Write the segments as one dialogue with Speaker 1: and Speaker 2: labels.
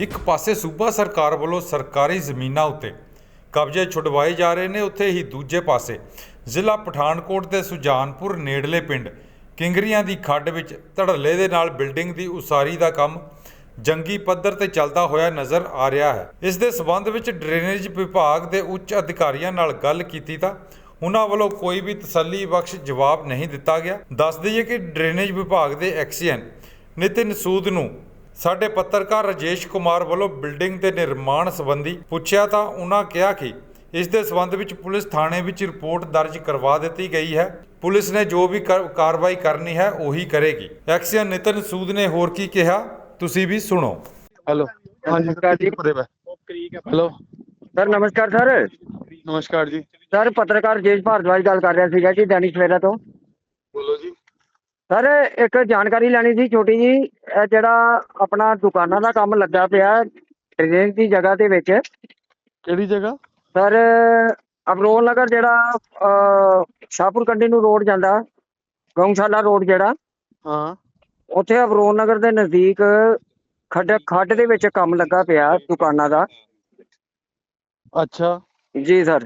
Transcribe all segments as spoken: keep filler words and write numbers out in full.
Speaker 1: ਇੱਕ ਪਾਸੇ ਸੂਬਾ ਸਰਕਾਰ ਵੱਲੋਂ ਸਰਕਾਰੀ ਜ਼ਮੀਨਾਂ ਉੱਤੇ ਕਬਜ਼ੇ ਛੁਡਵਾਏ ਜਾ ਰਹੇ ਨੇ, ਉੱਥੇ ਹੀ ਦੂਜੇ ਪਾਸੇ ਜ਼ਿਲ੍ਹਾ ਪਠਾਨਕੋਟ ਦੇ ਸੁਜਾਨਪੁਰ ਨੇੜਲੇ ਪਿੰਡ ਕਿੰਗਰੀਆਂ ਦੀ ਖੱਡ ਵਿੱਚ ਧੜੱਲੇ ਦੇ ਨਾਲ ਬਿਲਡਿੰਗ ਦੀ ਉਸਾਰੀ ਦਾ ਕੰਮ ਜੰਗੀ ਪੱਧਰ ਤੇ ਚੱਲਦਾ ਹੋਇਆ ਨਜ਼ਰ ਆ ਰਿਹਾ ਹੈ। ਇਸ ਦੇ ਸਬੰਧ ਵਿੱਚ ਡਰੇਨੇਜ ਵਿਭਾਗ ਦੇ ਉੱਚ ਅਧਿਕਾਰੀਆਂ ਨਾਲ ਗੱਲ ਕੀਤੀ ਤਾਂ ਉਹਨਾਂ ਵੱਲੋਂ ਕੋਈ ਵੀ ਤਸੱਲੀ ਬਖਸ਼ ਜਵਾਬ ਨਹੀਂ ਦਿੱਤਾ ਗਿਆ। ਦੱਸ ਦਈਏ ਕਿ ਡਰੇਨੇਜ ਵਿਭਾਗ ਦੇ ਐਕਸੀਅਨ ਨਿਤਿਨ ਸੂਦ ਨੂੰ ਸਾਡੇ ਪੱਤਰਕਾਰ ਰਾਜੇਸ਼ ਕੁਮਾਰ ਵੱਲੋਂ ਬਿਲਡਿੰਗ ਦੇ ਨਿਰਮਾਣ ਸੰਬੰਧੀ ਪੁੱਛਿਆ ਤਾਂ ਉਹਨਾਂ ਕਿਹਾ ਕਿ ਇਸ ਦੇ ਸੰਬੰਧ ਵਿੱਚ ਪੁਲਿਸ ਥਾਣੇ ਵਿੱਚ ਰਿਪੋਰਟ ਦਰਜ ਕਰਵਾ ਦਿੱਤੀ ਗਈ ਹੈ। ਪੁਲਿਸ ਨੇ ਜੋ ਵੀ ਕਾਰਵਾਈ ਕਰਨੀ ਹੈ ਉਹੀ ਕਰੇਗੀ। ਐਕਸੀਅਨ ਨਿਤਿਨ ਸੂਦ ਨੇ ਹੋਰ ਕੀ ਕਿਹਾ, ਤੁਸੀਂ ਵੀ ਸੁਣੋ।
Speaker 2: हेलो, हाँ जी
Speaker 3: नमस्कार जी।
Speaker 2: हेलो,
Speaker 3: सर नमस्कार सर
Speaker 2: नमस्कार जी।
Speaker 3: सर पत्रकार राजेश भारद्वाज गल कर रहा सीगा जी दैनिक सवेरा तो।
Speaker 2: बोलो जी।
Speaker 3: सर एक जानकारी लेनी सी छोटी जी, ਇਹ ਜਿਹੜਾ ਆਪਣਾ ਦੁਕਾਨਾਂ ਦਾ ਕੰਮ ਲੱਗਾ ਪਿਆ ਟ੍ਰੇਨ ਦੀ ਜਗ੍ਹਾ ਦੇ ਵਿੱਚ।
Speaker 2: ਕਿਹੜੀ ਜਗ੍ਹਾ?
Speaker 3: ਸਰ ਅਬਰੋਲ ਨਗਰ ਜਿਹੜਾ ਅਹ, ਸ਼ਾਹਪੁਰ ਕੰਡੀ ਨੂੰ ਰੋਡ ਜਾਂਦਾ, ਗਊਸ਼ਾਲਾ ਰੋਡ ਜਿਹੜਾ,
Speaker 2: ਹਾਂ,
Speaker 3: ਉੱਥੇ ਅਬਰੋਲ ਨਗਰ ਦੇ ਨਜ਼ਦੀਕ ਖੱਡ ਖੱਡ ਦੇ ਵਿੱਚ ਕੰਮ ਲੱਗਾ ਪਿਆ ਦੁਕਾਨਾਂ ਦਾ।
Speaker 2: ਅੱਛਾ,
Speaker 3: ਜੀ ਸਰ।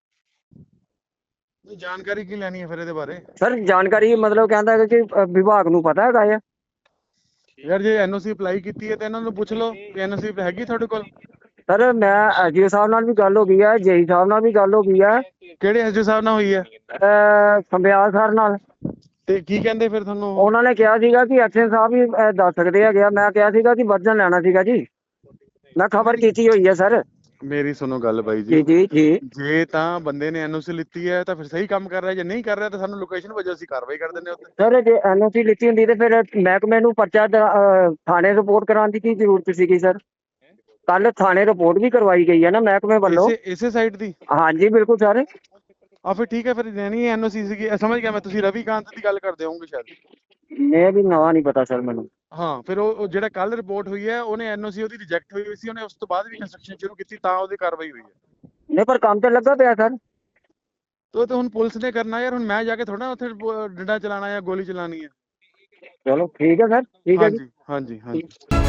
Speaker 2: ਜਾਣਕਾਰੀ ਕੀ ਲੈਣੀ ਹੈ ਫਿਰ ਇਹਦੇ ਬਾਰੇ?
Speaker 3: ਸਰ ਜਾਣਕਾਰੀ ਮਤਲਬ ਕਹਿੰਦਾ ਹੈਗਾ ਕਿ ਅ, ਵਿਭਾਗ ਨੂੰ ਪਤਾ ਹੈਗਾ ਆ।
Speaker 2: ਯਾਰ ਜੇ ਐਨਓਸੀ ਅਪਲਾਈ ਕੀਤੀ ਹੈ ਤੇ ਇਹਨਾਂ ਨੂੰ ਪੁੱਛ ਲਓ ਕਿ ਐਨਓਸੀ ਹੈਗੀ ਤੁਹਾਡੇ ਕੋਲ।
Speaker 3: ਸਰ ਮੈਂ ਐਸਡੀਓ ਸਾਹਿਬ ਨਾਲ ਵੀ ਗੱਲ ਹੋ ਗਈ ਹੈ, ਜੇਈ ਸਾਹਿਬ ਨਾਲ ਵੀ ਗੱਲ ਹੋ ਗਈ ਹੈ,
Speaker 2: ਕਿਹੜੇ ਐਸਡੀਓ ਸਾਹਿਬ ਨਾਲ ਹੋਈ ਹੈ
Speaker 3: ਅਹ, ਸੰਬਿਆਲ ਸਰ ਨਾਲ।
Speaker 2: ਤੇ ਕੀ ਕਹਿੰਦੇ ਫਿਰ ਤੁਹਾਨੂੰ ਉਹ?
Speaker 3: ਉਹਨਾਂ ਨੇ ਕਿਹਾ ਸੀਗਾ ਕਿ ਐਕਸ਼ਨ ਸਾਹਿਬ ਵੀ ਅਹ, ਦੱਸ ਸਕਦੇ ਹੈਗੇ ਆ। ਮੈਂ ਕਿਹਾ ਸੀਗਾ ਕਿ ਵਰਜਨ ਲੈਣਾ ਸੀਗਾ ਜੀ, ਮੈਂ ਖਬਰ ਕੀਤੀ ਹੋਈ ਹੈ ਸਰ।
Speaker 2: ਮੇਰੀ ਸੁਣੋ ਗੱਲ ਬਾਈ
Speaker 3: ਜੀ
Speaker 2: ਜੀ,
Speaker 3: ਜੀ ਜੀ
Speaker 2: ਜੇ ਤਾਂ ਬੰਦੇ ਨੇ ਐਨਓਸੀ ਲਿੱਤੀ ਹੈ ਤਾਂ ਫਿਰ ਸਹੀ ਕੰਮ ਕਰ ਰਿਹਾ, ਜੇ ਨਹੀਂ ਕਰ ਰਿਹਾ ਤਾਂ ਸਾਨੂੰ ਲੋਕੇਸ਼ਨ ਵਜੋਂ ਅਸੀਂ ਕਾਰਵਾਈ ਕਰ ਦਿੰਦੇ ਹਾਂ ਉੱਤੇ।
Speaker 3: ਸਰ ਜੇ ਐਨਓਸੀ ਲਿੱਤੀ ਹੁੰਦੀ ਤੇ ਫਿਰ ਮਹਿਕਮੇ ਨੂੰ ਪਰਚਾ ਦ- ਅਹ, ਥਾਣੇ ਰਿਪੋਰਟ ਕਰਾਉਣ ਦੀ ਕੀ ਜ਼ਰੂਰਤ ਸੀਗੀ ਸਰ? ਕੱਲ ਥਾਣੇ ਰਿਪੋਰਟ ਵੀ ਕਰਵਾਈ ਗਈ ਹੈ ਨਾ ਮਹਿਕਮੇ ਵੱਲੋਂ।
Speaker 2: ਇਸੇ ਇਸੇ ਸਾਈਡ ਦੀ?
Speaker 3: ਹਾਂਜੀ ਬਿਲਕੁਲ ਸਰ।
Speaker 2: ਆ ਫਿਰ ਠੀਕ ਹੈ, ਫਿਰ ਲੈਣੀ ਐਨਓਸੀ ਸੀਗੀ। ਇਹ ਸਮਝ ਗਿਆ ਮੈਂ, ਤੁਸੀਂ ਰਵੀ ਕਾਂਤ ਦੀ ਗੱਲ ਕਰਦੇ ਹੋਵੋਗੇ ਸ਼ਾਇਦ।
Speaker 3: ਮੈਂ ਵੀ ਨਵਾਂ ਨਹੀਂ ਪਤਾ ਸਰ ਮੈਨੂੰ।
Speaker 2: ਹਾਂ, ਫਿਰ ਉਹ ਉਹ ਜਿਹੜਾ ਕੱਲ ਰਿਪੋਰਟ ਹੋਈ ਹੈ ਉਹਨੇ ਐਨਓਸੀ ਉਹਦੀ ਰਿਜੈਕਟ ਹੋਈ ਹੋਈ ਸੀ, ਉਹਨੇ ਉਸ ਤੋਂ ਬਾਅਦ ਵੀ ਕੰਸਟਰਕਸ਼ਨ ਸ਼ੁਰੂ ਕੀਤੀ ਤਾਂ ਉਹਦੀ ਕਾਰਵਾਈ ਹੋਈ ਹੈ।
Speaker 3: ਨਹੀਂ ਪਰ ਕੰਮ ਤੇ ਲੱਗਾ ਪਿਆ ਸਰ।
Speaker 2: ਤੇ ਉਹ ਤਾਂ ਹੁਣ ਪੁਲਿਸ ਨੇ ਕਰਨਾ ਯਾਰ, ਹੁਣ ਮੈਂ ਜਾ ਕੇ ਥੋੜਾ ਉੱਥੇ ਬ- ਡੰਡਾ ਚਲਾਣਾ ਜਾਂ ਗੋਲੀ ਚਲਾਣੀ ਹੈ।
Speaker 3: ਚਲੋ ਠੀਕ ਹੈ ਸਰ, ਠੀਕ ਹੈ ਜੀ।
Speaker 2: ਹਾਂਜੀ ਹਾਂਜੀ ਹਾਂਜੀ।